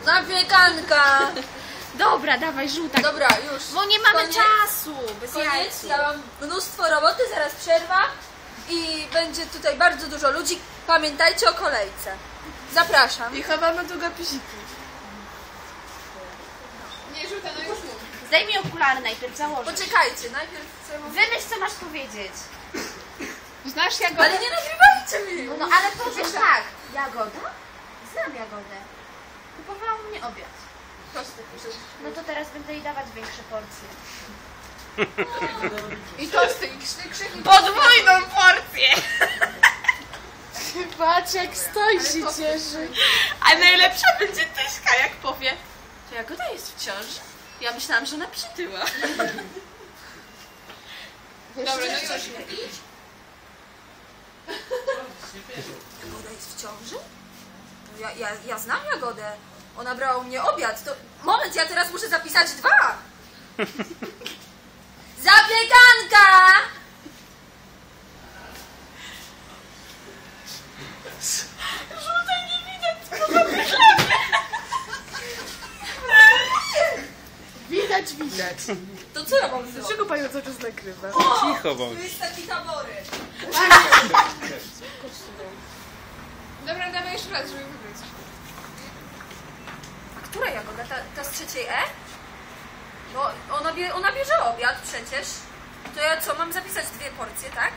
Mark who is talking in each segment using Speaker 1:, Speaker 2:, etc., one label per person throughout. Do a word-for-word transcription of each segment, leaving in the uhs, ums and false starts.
Speaker 1: Zapiekanka!
Speaker 2: Dobra, dawaj, żółta.
Speaker 1: Dobra, już.
Speaker 2: Bo nie mamy
Speaker 1: Koniec.
Speaker 2: czasu. Bez
Speaker 1: Koniec,
Speaker 2: jajcu.
Speaker 1: ja mam mnóstwo roboty, zaraz przerwa i będzie tutaj bardzo dużo ludzi. Pamiętajcie o kolejce. Zapraszam.
Speaker 3: I chowamy długopisiki. Nie rzucę, no już mów.
Speaker 2: Zdejmij okulary najpierw, założę.
Speaker 1: Poczekajcie, najpierw sobie mówię.
Speaker 2: Wymyśl, co masz powiedzieć.
Speaker 3: Znasz Jagodę?
Speaker 1: Ale nie nagrywajcie mi!
Speaker 2: No ale powiesz tak. Jagoda? Znam Jagodę. Kupowała u mnie obiad.
Speaker 1: Prosty, proszę.
Speaker 2: No to teraz będę jej dawać większe porcje.
Speaker 3: I tosty, i krzty, krzyki.
Speaker 2: Podwójną porcję!
Speaker 3: Patrz jak stoi się cieszy.
Speaker 2: A najlepsza będzie Tyśka, jak powie, to Jagoda jest w ciąży. Ja myślałam, że ona przytyła.
Speaker 3: Dobra, no już.
Speaker 1: Jagoda jest w ciąży? No ja, ja, ja znam Jagodę. Ona brała u mnie obiad. To... Moment, ja teraz muszę zapisać dwa. Zapiekanka!
Speaker 2: Żółtej nie widać,
Speaker 3: Widać, widać.
Speaker 1: To co ja mam zrobić?
Speaker 3: Dlaczego panią cały czas nagrywa?
Speaker 4: Cicho bądź.
Speaker 1: Tu jest taki tabory.
Speaker 3: Dobra, dawaj jeszcze raz, żeby wybrać.
Speaker 1: A która Jagoda? Ta, ta z trzeciej E? Bo ona, bie, ona bierze obiad przecież. To ja co, mam zapisać dwie porcje, tak?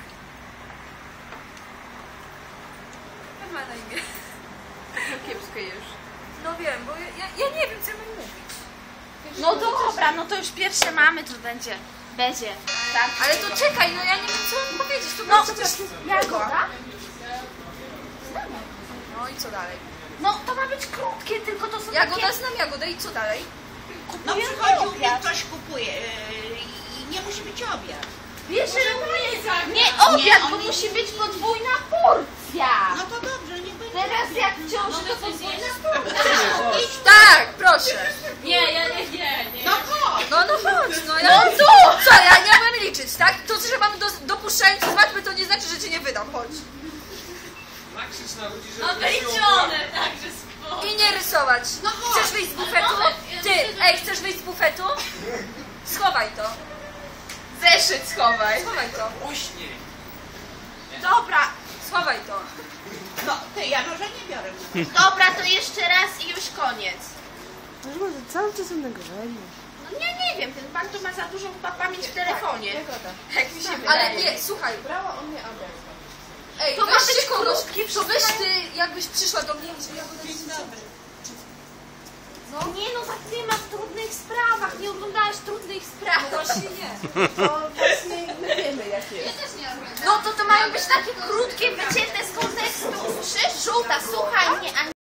Speaker 1: Jak ma na imię?
Speaker 3: Kiepsko już.
Speaker 1: No wiem, bo ja, ja, ja nie wiem, co ja mam mówić.
Speaker 2: No dobra, no to już pierwsze mamy, to będzie. Będzie. Tak.
Speaker 1: Ale to czekaj, no ja nie wiem, co mam powiedzieć. To
Speaker 2: No,
Speaker 1: przecież...
Speaker 2: Jagoda?
Speaker 1: No i co dalej?
Speaker 2: No to ma być krótkie, tylko to są
Speaker 1: Jagoda,
Speaker 2: takie...
Speaker 1: znam Jagodę i co dalej?
Speaker 5: No
Speaker 2: Kupuję
Speaker 5: przychodzi u mnie
Speaker 2: obiad.
Speaker 5: ktoś kupuje yy, i nie musi być obiad.
Speaker 2: Bierze nie, nie obiad,
Speaker 5: Nie,
Speaker 2: bo
Speaker 5: oni-
Speaker 2: musi być podwójna porcja.
Speaker 5: No to dobrze, nie będzie.
Speaker 2: Teraz jak w ciąży, to podwójna porcja.
Speaker 1: Tak, proszę.
Speaker 2: Nie, ja nie, nie, nie.
Speaker 5: No chodź.
Speaker 1: No, no chodź, no ja...
Speaker 2: No
Speaker 1: tu! Co, ja nie umiem liczyć, tak? To, że mam do, dopuszczający zmatmy, to nie znaczy, że cię nie wydam, chodź.
Speaker 4: Nakrzycz na ludzi, że
Speaker 2: No wyliczone, także spoko.
Speaker 1: I nie rysować.
Speaker 5: No chodź.
Speaker 1: Chcesz wyjść z bufetu? Ty, ej, chcesz wyjść z bufetu? Schowaj to.
Speaker 2: Zeszyt schowaj.
Speaker 1: Schowaj to.
Speaker 4: uśmiech.
Speaker 2: Dobra,
Speaker 1: Schowaj to.
Speaker 5: No ty, ja może nie biorę.
Speaker 2: dobra, to jeszcze raz i już koniec.
Speaker 3: Może cały czas są nagrywanie.
Speaker 2: No nie, nie wiem, ten pan tu ma za dużą pa- pamięć w telefonie.
Speaker 3: Jagoda.
Speaker 2: Jak mi się wydaje.
Speaker 1: Ale nie, słuchaj.
Speaker 3: Brała o mnie obiad.
Speaker 1: Ej,
Speaker 2: To ma
Speaker 1: weźcie
Speaker 2: być
Speaker 1: kogoś,
Speaker 2: krótkie,
Speaker 1: to weź ty, jakbyś przyszła do mnie, że ja będę
Speaker 5: Dzień dobry.
Speaker 2: No nie no, tak nie ma w trudnych sprawach, nie oglądałaś trudnych spraw.
Speaker 1: No właśnie nie.
Speaker 3: To właśnie my wiemy jak jest.
Speaker 2: No to to mają być takie krótkie, wycięte z kontekstu. Żółta, słuchaj mnie, a